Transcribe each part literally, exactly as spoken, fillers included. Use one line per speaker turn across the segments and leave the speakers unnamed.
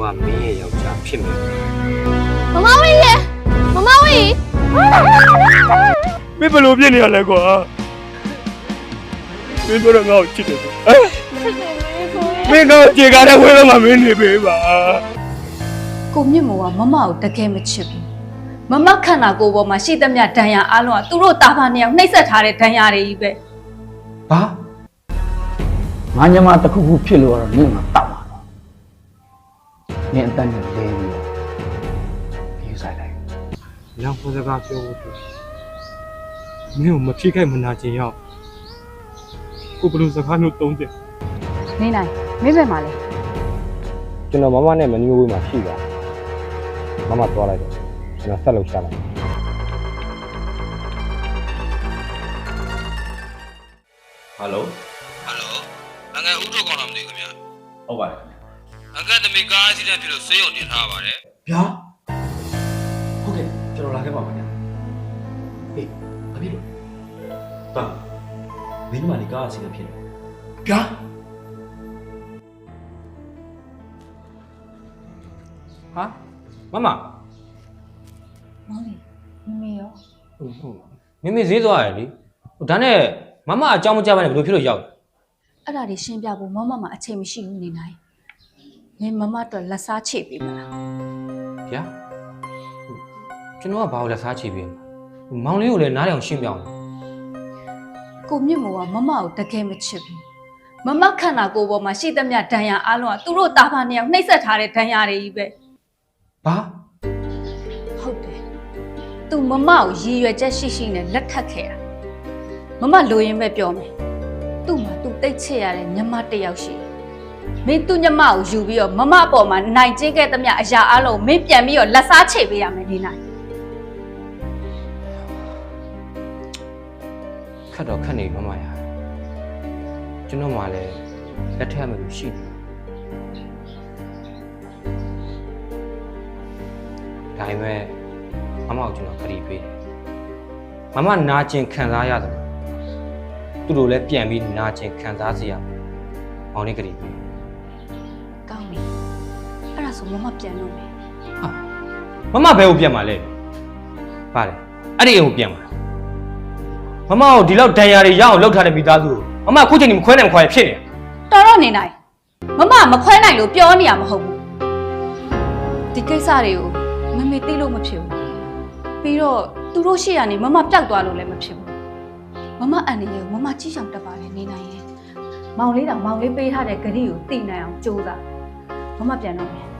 ကမင်းရဲ့ယောက်ျားဖြစ်မယ်
မမဝင်းရေမမဝင်း
မင်းဘယ်လိုဖြစ်နေရလဲကွာမင်းတို့ငါ့ကိုချစ်တယ်ဟမ်မင်းတို့ကြေကားတဲ့ဝဲတော့မှမင်းနေပေးပါ
ကိုမြင့်မောကမမကိုတကယ်မချစ်ဘူးမမခန္ဓာကိုယ်ပေါ်မှာရှိသမျှဒဏ်ရာအလုံးကသူတို့တာဖာနှစ်ယောက်နှိပ်စက်ထားတဲ့ဒဏ်ရာတွေကြီးပဲ
ဘာငါညမတစ်ခုခုဖြစ်လို့တော့နင့်မှာတောက်ပါတော့နင့်အတန်းနဲ့လဲပြီးတော့ပြေးဆိုင်လိုက်
ညောင်စကားပြောဖို့တွေ့မင်းကိုမဖြစ်ခိုက်မနာချင်ရောက်ကိုဘယ်လိုစကားမျိုးသုံးတယ်
နေနိုင်မင်းပဲမှာလဲ
ကျွန်တော်မမနဲ့မနီးမဝေးမှာရှိတာမမသွားလိုက်တော့ကျွန်တော်ဆက်လုပ်ရှာလိုက်
ဟယ်လို
ဟယ်လိုအငယ်ဦးထုတ်ကောင်းလားမသိဘူးခင်ဗျာ
ဟုတ်ပါတယ်
အငယ်သမီးကားအက်ဆီဒန့်ဖြစ်လို့ဆေးရုံတင်ထားပါတယ်
ဗျာဟုတ်ကဲ့ကျွန်တော်လာခဲ့ပါမယ်ဟေးဘာဖြစ်လို့တာမင်းမလေးကားအက်ဆီဒန့်ဖြစ်တယ်ဗျာ
ဟာမမ
မောင်လေးမမေရော
ဟုတ်ဟုတ်မမေဈေးသွားရတယ်လေဒါနဲ့မမအကြောင်းမကြပါနဲ့ဘယ်လိုဖြစ်လို့ရောက်
အဲ့ဒါတွေရှင်းပြဖို့မမမအချိန်မရှိဘူးနေနိုင်မင်းမမအတွက်လက်စားချိပေးမလား
ဗျာကျွန်တော်ကဘာလို့လက်စားချိပေးမှာမောင်လေးကိုလည်းနားထောင်ရှင်းပြအောင်
ကိုမြင့်မောကမမကိုတကယ်မချစ်ဘူးမမခန္ဓာကိုယ်ပေါ်မှာရှိသမျှဒဏ်ရာအလုံးကသူတို့တာဖာနှစ်ယောက်နှိပ်စက်ထားတဲ့ဒဏ်ရာတွေကြီးပဲ
ဘာ
ဟုတ်တယ်သူမမကိုရည်ရွယ်ချက်ရှိရှိနဲ့လက်ထပ်ခဲ့တာမမလိုရင်းပဲပြောမယ်သူ့မှာသူတိတ်ချစ်ရတဲ့ညမတစ်ယောက်ရှိမင်းသူ့ညမကိုယူပြီးတော့မမအပေါ်မှာနိုင်ကျင်းခဲ့သမျှအရာအလုံးမင်းပြန်ပြီးတော့လက်စားချိပေးရမယ်နေနိုင်
ခက်တော့ခက်နေမမရကျွန်တော်မှလည်းလက်ထပ်မယ်လို့ရှိတယ်ဒါပေမဲ့မမကိုကျွန်တော်ခရီးပေးတယ်မမနာကျင်ခံစားရတယ်သူတို့လည်းပြန်ပြီးနာကျင်ခံစားစေရမယ်မောင်လေးခရီးပေး
ကောင်းပြီအဲ့ဒါဆိုမမပြန်တော့မယ်
ဟာမမဘယ်ကိုပြန်မှာလဲပါလေအဲ့ဒီအိမ်ကိုပြန်မှာမမကိုဒီလောက်ဒဏ်ရာတွေရအောင်လုပ်ထားတဲ့မိသားစုကိုမမခုချိန်ကြီးမခွဲနိုင်မခွာရဖြစ်နေ
တော်တော့နေနိုင်မမမခွဲနိုင်လို့ပြောနေရမဟုတ်ဘူးဒီကိစ္စတွေကိုမမေသိလို့မဖြစ်ဘူးပြီးတော့သူတို့ရှေ့ကနေမမပျောက်သွားလို့လည်းမဖြစ်ဘူးမမအန်နေကိုမမကြီးဆောင်တက်ပါလေနေနိုင်ရဲ့မောင်လေးတောင်မောင်လေးပေးထားတဲ့ဂရီကိုသိနိုင်အောင်ကြိုးစားမမပြန်တော့မယ်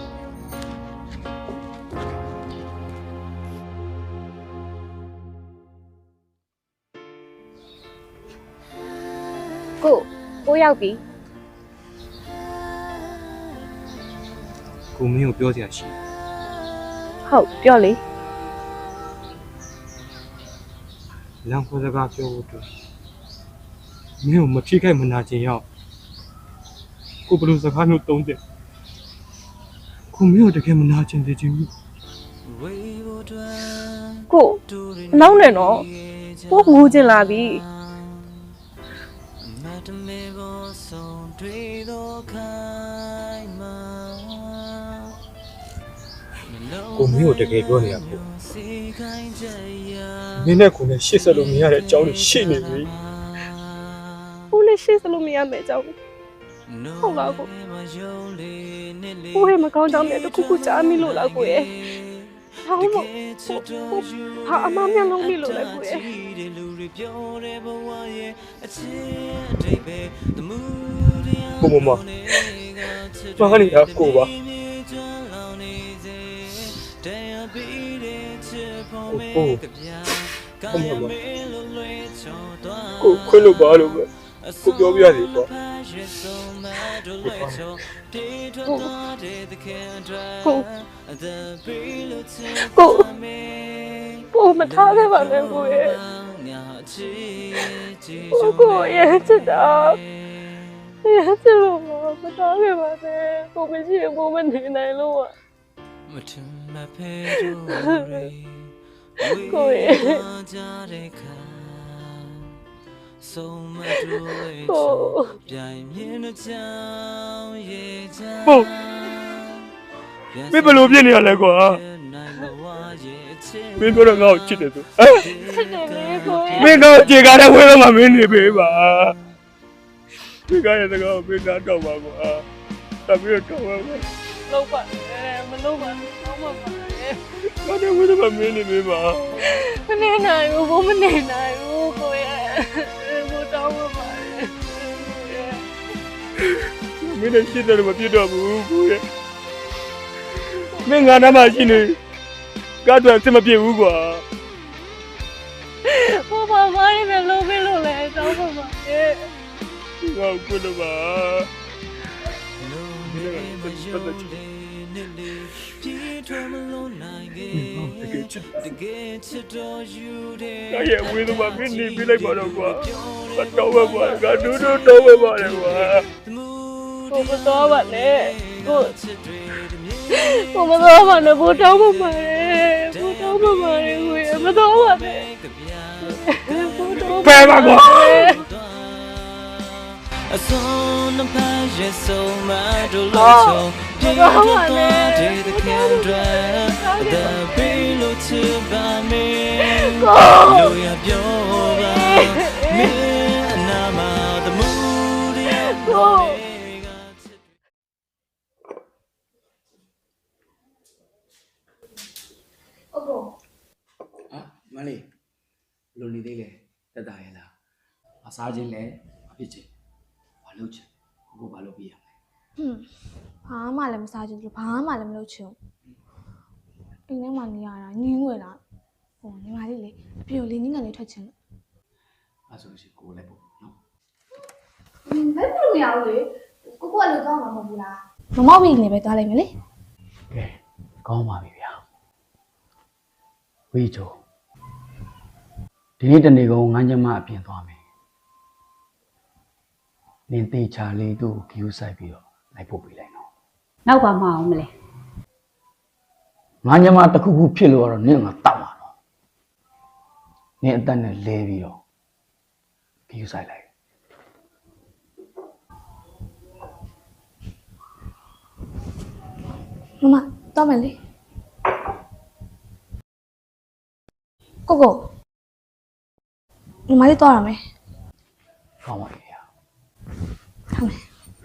ကိုကိုရောက်ပြီ
ကိုမင်းကိုပြောစရာရှိ
ဟုတ်ပြောလေ
လမ်းခေါ်စကားပြောဖို့တွေ့မင်းကိုမဖြစ်ခိုက်မနာချင်ရောက်ကိုဘယ်လိုစကားမျိုးသုံးတယ်ကိုမင်းကိုတကယ်မနာချင်သေးချင်ဘူး
ကိုအလောင်းနဲ့တော့ကိုငိုချင်လာပြီ
ကိုမင်းကိုတကယ်ပြောနေရပေါ့မင်းနဲ့ကိုနဲ့ရှေ့ဆက်လို့မရတဲ့အကြောင်းတွေရှိနေပြီ
ကိုနဲ့ရှေ့ဆက်လို့မရမယ့်အကြောင်းဟုတ်လားကိုကိုရဲ့မကောင်းကြောင်းနဲ့တခုခုကြားမိလို့လားကိုရဲ့ဟောင်းမို့ဟာအမမျက်လုံးမိလို့လဲကိုရဲ့
ကိုမမဘာနေရကိုပါကိုကိုမမကိုခွလို့ပါလို့ပဲကိုပြောပြရတယ်ပေါ့
ကိုကိုကိုမထားခဲ့ပါနဲ့ကိုရဲ့ကိုကိုရဲ့ချစ်တာရဲ့ချစ်လို့မထားခဲ့ပါနဲ့ကိုမရှိရင်ကိုမနေနိုင်လို့อ่ะကိုရဲ့ကိုပြိုင်မြင်တဲ့ချောင်းရဲ့ချာ
မင်းဘယ်လိုဖြစ်နေရလဲကွာမင်းပြောတော့ငါ့ကိုချစ်တယ်ဆို
ချစ်တယ်လေကိုရဲ့
မင်းတော့ကြေကားတဲ့ဝဲတော့မှမင်းနေပေးပါကြေကားရဲ့စကားကိုမင်းနားတော့ပါကွာတပည့်တော့ဝဲပါ
လုံးပါနဲ့မလုံးပါနဲ့တော့မပါနဲ့
ငါတဲ့ဝဲတော့မှမင်းနေပေးပါ
မနေနိုင်ဘူးဘိုးမနေနိုင်ဘူးကိုရဲ့ဘိုးတောင်းမပါနဲ့
မင်းနဲ့ရှင်းတယ်မပြတ်တော့ဘူးကိုရဲ့မင်းငါနားမှာရှိနေကားတော့အစ်မပြည့်ဘူးကွာ
ဘိုးဘာမှမလုပ်ဘူးလို့လဲတောင်းမပါနဲ့
ငါ့ကိုလို့ပါဒီနေ့ကပတ်သက်ချင်တကယ်ချစ်တယ်။ငါရဲ့ဝေးတော့မင်းနေပြလိုက်ပါတော့ကွာ။မတော်ပါကွာ။ငါဒူးဒူးတော့ပဲပါလေကွာ
ကိုမတော်ပါနဲ့ကိုကိုမတော်ပါနဲ့ဘိုးတောင်းမပါနဲ့ဘိုးတောင်းမပါနဲ့ကိုရဲ့မတော်ပါနဲ့ဘိုးတောင်း
။ဖဲပါကွာ
အစွန်းနှဖက်ရဲ့ဆုံးမတို့လို့ချုံပြည့်တော့တဲ့တဲ့ခံတွေတဲ့ဘီလို့ချပါမေလို့ရပြောပါမင်းအနာမသမှုရဲ့ကို
ဟာမလေးလိုနေသေးလေတက်တာရဲ့လားအစားချင်းလဲအဖြစ်ချင်းဘာလုပ်ချင်ကိုကိုဘာလုပ်ပြရမလဲ
ဟွန်းဘာမှလည်းမစားချင်ဘူးဘာမှလည်းမလုပ်ချင်ဘူးအိမ်ထဲမှာနေရတာညင်းငွေလာဟိုညီမလေးလေပြိုလေးနင်းကန်လေးထွက်ချင်လို့
အဲ့ဆိုရှင်ကိုလည်းပေါ့နော်
ဘယ်လိုနေရလဲကိုကိုကလည်းကောင်းမှာမဟုတ်ဘူးလားမမောက်ပြီးနေပဲသွားလိုက်မယ်လေ
ကဲကောင်းပါပြီဗျာဝေးချိုဒီနေ့တနေ့ကုန်ငန်းချမအပြင်သွားမယ်နင်သေးချာလေးသူ့ကိုဂယူးဆိုင်ပြီးတော့လိုက်ဖို့ပြလိုက်နော်
နောက်ပါမအောင်မလဲ
ငန်းချမတစ်ခုခုဖြစ်လို့ကတော့နင်ကတောက်မှာနော်နင်အသက်နဲ့လဲပြီးတော့ဂယူးဆိုင်လိုက်
မမတော့မယ်လေကိုကိုညီမလေးတော့ရမယ်
ကောင်းပါပြီဗျာ
ဟုတ်မယ်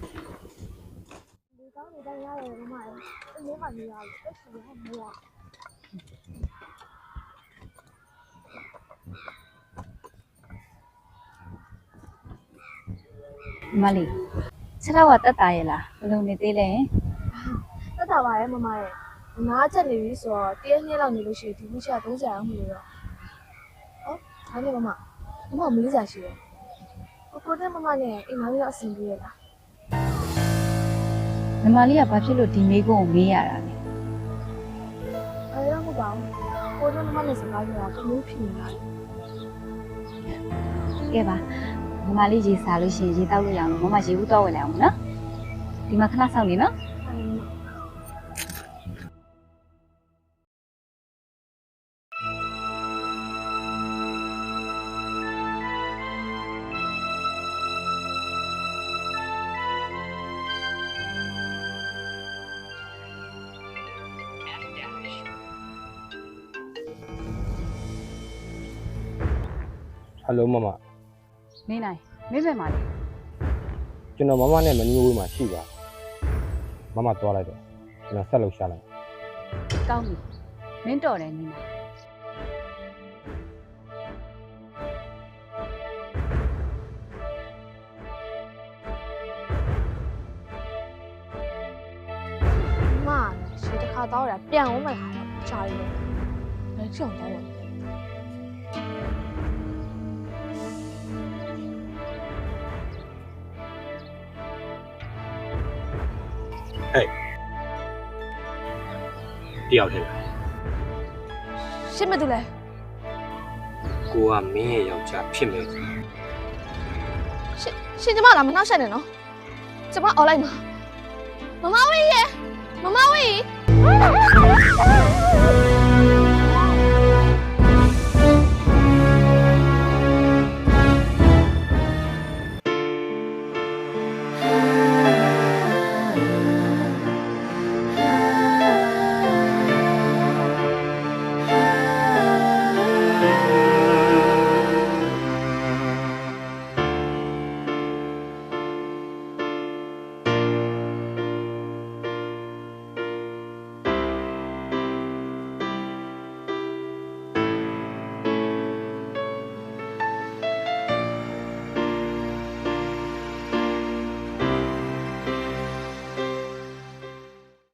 မလေးဆက်တော့တက်တာရဲ့လားဘယ်လိုနေသေးလဲ
တက်တာပါရဲ့မမရဲ့နားချက်နေပြီဆိုတော့တရက်နှစ်လောက်နေလို့ရှိရင်ဒီခုချသုံးဆရာအောင်မလို့တော့ဟောဒါနဲ့မမမမမလေးစားရှိတယ်ကိုကိုနဲ့မမနဲ့အိမ်မလေးတော့အဆင်ပြေရလား
ညီမလေးကဘာဖြစ်လို့ဒီမိကုန်းကိုမေးရတာလဲ
အဲဒါမဟုတ်ပါဘူးကိုနဲ့မမနဲ့စကားပြောတာကမျိုးဖြစ်နေတာလေ
ကဲပါညီမလေးရေစားလို့ရှိရင်ရေတောက်လို့ရအောင်လို့မမရေဘူးတော့ဝင်လိုက်အောင်နော်ဒီမှာခဏစောင့်နေနော်
ဟယ်လိုမမ
နေနိုင်မင်းပဲမှာလေ
ကျွန်တော်မမနဲ့မနီးဝေးမှာရှိပါမမသွားလိုက်တော့ကျွန်တော်ဆက်လို့ရှာလိုက်
ကောင်းပြီမင်းတော်တယ်နေနိုင်
မလည်းရှေ့တစ်ခါတော့ရပြန်အောင်မယ်ခါတော့ကြာပြီလေလက်ချုံတော့ဝင်
တယောက်တည်း
ရှင်းမတူလဲ
ကိုကမင်းရဲ့ယောက်ျားဖြစ်မယ်ဆို
ရှင်းရှင်းကျမလာမနှောက်ရှက်နဲ့နော်ကျမអော်လိုက်မှာမမဝေးရဲ့